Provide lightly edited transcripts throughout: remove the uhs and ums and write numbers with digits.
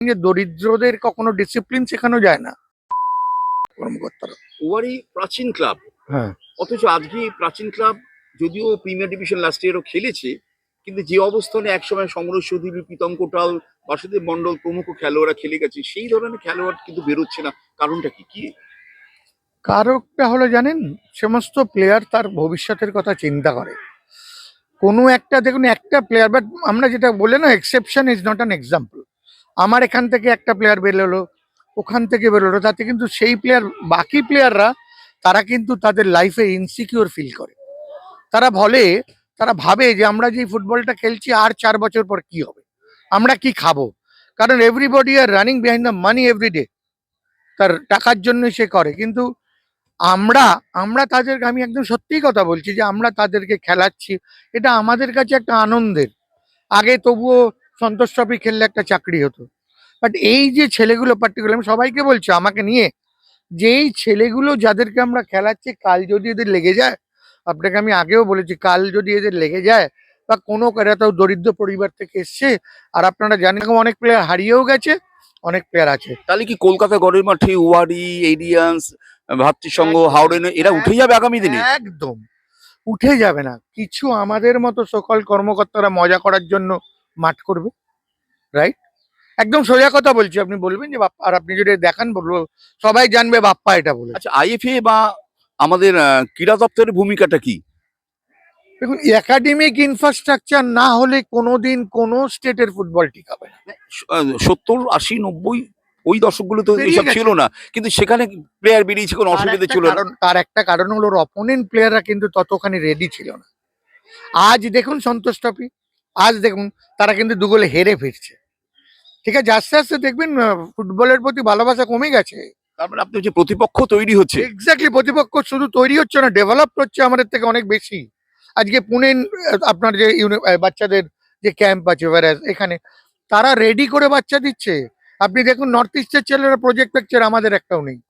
যে দরিদ্রদের কখনো ডিসিপ্লিন শেখানো যায় না কর্মকর্তারা। ওয়ারি প্রাচীন ক্লাব, হ্যাঁ, অথচ আজকে এই প্রাচীন ক্লাব যদিও প্রিমিয়ার ডিভিশন লাস্ট ইয়ারও খেলেছে, কিন্তু যে অবস্থানে একসময় সমরেশ চৌধুরী, প্রীতম কোটাল, বাসুদেব মন্ডল প্রমুখ খেলোয়াড়রা খেলে গেছে, সেই ধরনের খেলোয়াড় কিন্তু বেরোচ্ছে না। কারণটা কি কি? কারকটা হলো জানেন, সমস্ত প্লেয়ার তার ভবিষ্যতের কথা চিন্তা করে। কোনো একটা দেখুন, একটা প্লেয়ার, বাট আমরা যেটা বলে না, exception is not an example. আমার এখান থেকে একটা প্লেয়ার বেরোলো, ওখান থেকে বেরোলো, তাতে কিন্তু সেই প্লেয়ার, বাকি প্লেয়াররা তারা কিন্তু তাদের লাইফে ইনসিকিউর ফিল করে। তারা বলে, তারা ভাবে যে আমরা যে ফুটবলটা খেলছি আর 4 বছর পর কি হবে, আমরা কি খাবো। কারণ everybody are running behind the money every day, তার টাকার জন্য সে করে। কিন্তু আমরা আমরা তাদেরকে, আমি একদম সত্যিই কথা বলছি, যে আমরা তাদেরকে খেলাচ্ছি, এটা আমাদের কাছে একটা আনন্দের। আগে তবুও সন্তোষ ট্রফি খেললে একটা চাকরি হতো, বাট এই যে ছেলেগুলো পার্টিকুলার, আমি সবাইকে বলছি আমাকে নিয়ে, যে এই ছেলেগুলো যাদেরকে আমরা খেলাচ্ছি, কাল যদি এদের লেগে যায়, আপনাকে আমি আগেও বলেছি, কাল যদি এদের লেগে যায়, বা কোনো এরা তো দরিদ্র পরিবার থেকে এসছে, আর আপনারা জানেন অনেক প্লেয়ার হারিয়েও গেছে, অনেক প্লেয়ার আছে। তাহলে কি কলকাতা গড়ের মাঠে ওয়ারি, এরিয়ান্স, ভাতৃসংঘ, একদম, হাওড়ে এরা উঠে যাবে আগামী দিনে? একদম উঠে যাবে না। কিছু আমাদের মতো সকল কর্মকর্তারা মজা করার জন্য মাঠ করবে, রাইট? একদম সোজা কথা বলছি, আপনি বলবেন যে বাপ্পা, আর আপনি যদি দেখান বলবো, সবাই জানবে বাপ্পা এটা বলে। আচ্ছা, আইএফএ বা আমাদের ক্রীড়া দপ্তরের ভূমিকাটা কি? দেখুন, একাডেমিক ইনফ্রাস্ট্রাকচার না হলে কোনোদিন কোনো স্টেটের ফুটবল টিকাবে না। 70, 80, 90 ওই দশকগুলো তো বেরিয়ে এইসব গেছে। ছিল না, কিন্তু সেখানে প্লেয়ার বেরিয়েছে, কোনো অসুবিধা ছিল না। তার একটা কারণ হলো ওর অপোনেন্ট প্লেয়াররা কিন্তু ততখানি রেডি ছিল না। আজ দেখুন সন্তোষ ট্রফি, আজ দেখুন তারা কিন্তু 2 গোলে হেরে ফিরছে। ঠিক আছে, আস্তে আস্তে দেখবেন ফুটবলের প্রতি ভালোবাসা কমে গেছে। তারপরে আপনি যে প্রতিপক্ষ তৈরি হচ্ছে। এক্স্যাক্টলি, প্রতিপক্ষ শুধু তৈরি হচ্ছে না, ডেভেলপ হচ্ছে আমাদের থেকে অনেক বেশি। আজকে পুনে আপনার যে বাচ্চাদের যে ক্যাম্প আছে, এখানে তারা রেডি করে বাচ্চা দিচ্ছে। আপনি দেখুন নর্থ ইস্টের ছেলেরা প্রজেক্ট পিকচার, আমাদের একটাও নেই।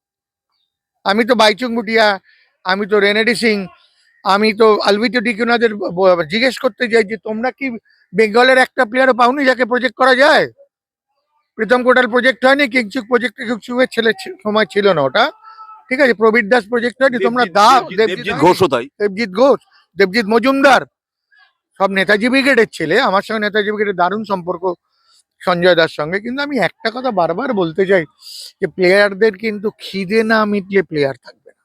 আমি তো বাইচুং ভুটিয়া, আমি তো রেনেডি সিং, আমি তো আলভিটো ডিকুনাদের জিজ্ঞেস করতে যাই যে তোমরা কি বেঙ্গলের একটা প্লেয়ারও পাওনি যাকে প্রজেক্ট করা যায়? প্রীতম কোটাল প্রজেক্ট হয়নি, কিংচুক প্রজেক্ট, কিংচুকের ছেলে সময় ছিল না ওটা। ঠিক আছে, প্রবীর দাস প্রজেক্ট হয়নি, তোমরা দাও। দেবজিৎ ঘোষও তাই। দেবজিৎ ঘোষ, দেবজিৎ মজুমদার, সব নেতাজি ব্রিগেডের ছেলে। আমার সঙ্গে নেতাজি ব্রিগেডের দারুণ সম্পর্ক সঞ্জয় দাস সঙ্গে। কিন্তু আমি একটা কথা বারবার বলতে চাই, যে প্লেয়ারদের কিন্তু খিদে না মিটলে প্লেয়ার থাকবে না।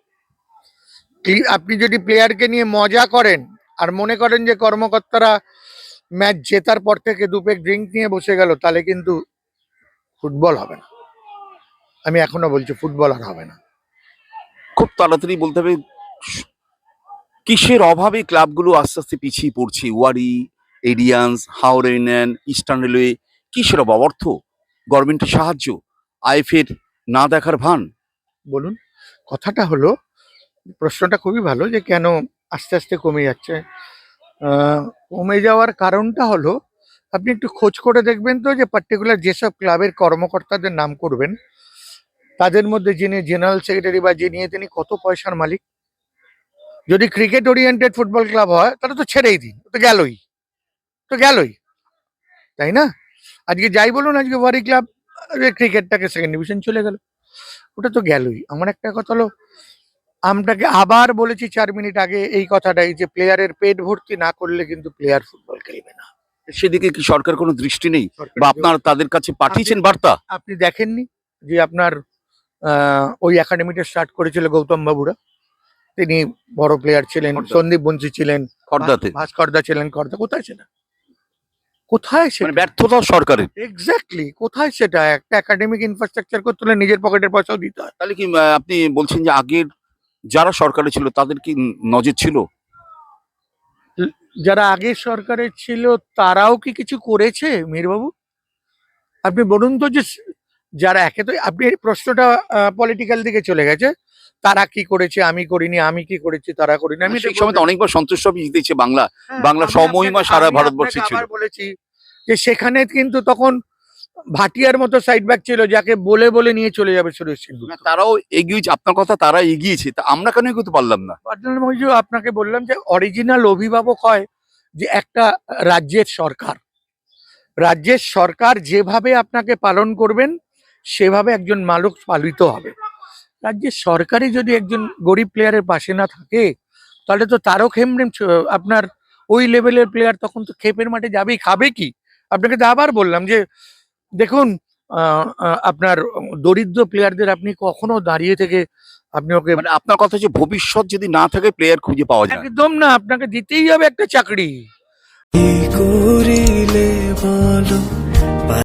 আপনি যদি প্লেয়ারকে নিয়ে মজা করেন আর মনে করেন যে কর্মকর্তারা ম্যাচ জেতার পর থেকে 2 পেগ ড্রিঙ্ক নিয়ে বসে গেল, তাহলে কিন্তু ফুটবল হবে না। আমি এখনো বলছি, ফুটবল আর হবে না। খুব তাড়াতাড়ি বলতে হবে কিসের অভাবে ক্লাবগুলো আস্তে আস্তে পিছিয়ে পড়ছে? Wari, Aryans, Howrah Union, Eastern Railway, কিসের অভাব? অর্থ, গভর্নমেন্টের সাহায্য, আইএফএর না দেখার ভান? বলুন, কথাটা হলো, প্রশ্নটা খুবই ভালো, যে কেন আস্তে আস্তে কমে যাচ্ছে। কমে যাওয়ার কারণটা হলো, আপনি একটু খোঁজ করে দেখবেন তো, যে পার্টিকুলার যেসব ক্লাবের কর্মকর্তাদের নাম করবেন, তাদের মধ্যে যিনি জেনারেল সেক্রেটারি বা যিনি, তিনি কত পয়সার মালিক। যদি ক্রিকেট ওরিয়েন্টেড ফুটবল ক্লাব হয় তাহলে তো ছেড়েই দিন, তো গেলই, তো গেলই, তাই না? আজকে যাই বলুন, আজকে ওয়ারি ক্লাব ক্রিকেটটাকে সেকেন্ড ডিভিশন চলে গেল, ওটা তো গেলই। আমার একটা কথা হলো, আমটাকে আবার বলেছি 4 মিনিট আগে এই কথাটাই, যে প্লেয়ারের পেট ভর্তি না করলে কিন্তু প্লেয়ার ফুটবল খেলবে না। সেদিকে কি সরকার কোনো দৃষ্টি নেই, সরকার, বা আপনার তাদের কাছে পাঠিয়েছেন বার্তা? আপনি দেখেননি যে আপনার ওই একাডেমিটা স্টার্ট করেছিল গৌতম বাবুরা, তিনি বড় প্লেয়ার ছিলেন, খর্দা। সন্দীপ বংশী ছিলেন, খর্দাতে ভাস্করদা ছিলেন, খর্দা, কোথায় সেটা? কোথায় মানে সেটা? ব্যর্থতা সরকারের। এক্স্যাক্টলি, কোথায় সেটা? একটা একাডেমিক ইনফ্রাস্ট্রাকচার করতে হলে নিজের পকেটের পয়সাও দিতে হয়। তাহলে কি আপনি বলছেন যে আগের যারা সরকারে ছিল তাদের কি নজর ছিল? যারা আগের সরকারের ছিল তারাও কি কিছু করেছে মীরবাবু? আপনি বলুন তো, যে যারা, একে তো আপনি এই প্রশ্নটা পলিটিক্যাল দিকে চলে গেছে, তারা কি করেছে আমি করিনি, আমি কি করেছি তারা করিনি। আমি সেই সময় তো অনেকবার সন্তোষ ট্রফি জিতেছে বাংলা। বাংলা আমি স্বমহিমা আপনাকে- সারা আমি ভারতবর্ষে আপনাকে ছিল। আবার বলেছি যে সেখানে কিন্তু তখন ভাটিয়ার মতো সাইড ব্যাক ছিল, যাকে বলে বলে নিয়ে চলে যাবে সুরেশ সিংহ। না, তারাও এগিয়েছে, আপনার কথা, তারা এগিয়েছে, তা আমরা কেন এগোতে পারলাম না? আপনাকে বললাম যে অরিজিনাল অভিভাবক হয় যে একটা রাজ্যের সরকার, রাজ্যের সরকার যেভাবে আপনাকে পালন করবেন সেভাবে একজন মানুষ পালিত হবে। রাজ্যের সরকারই যদি একজন গরিব প্লেয়ারের পাশে না থাকে তাহলে তো তারও খেমড়েম আপনার ওই লেভেলের প্লেয়ার তখন তো খেপের মাঠে যাবেই, খাবে কি? আপনাকে তো আবার বললাম যে দেখুন, আপনার দরিদ্র প্লেয়ারদের আপনি কখনো দাঁড়িয়ে থেকে আপনি ওকে, মানে আপনার কথা হচ্ছে ভবিষ্যৎ যদি না থাকে প্লেয়ার খুঁজে পাওয়া যায় না। একদম না, আপনাকে দিতেই হবে একটা চাকরি। কি করিলে বলো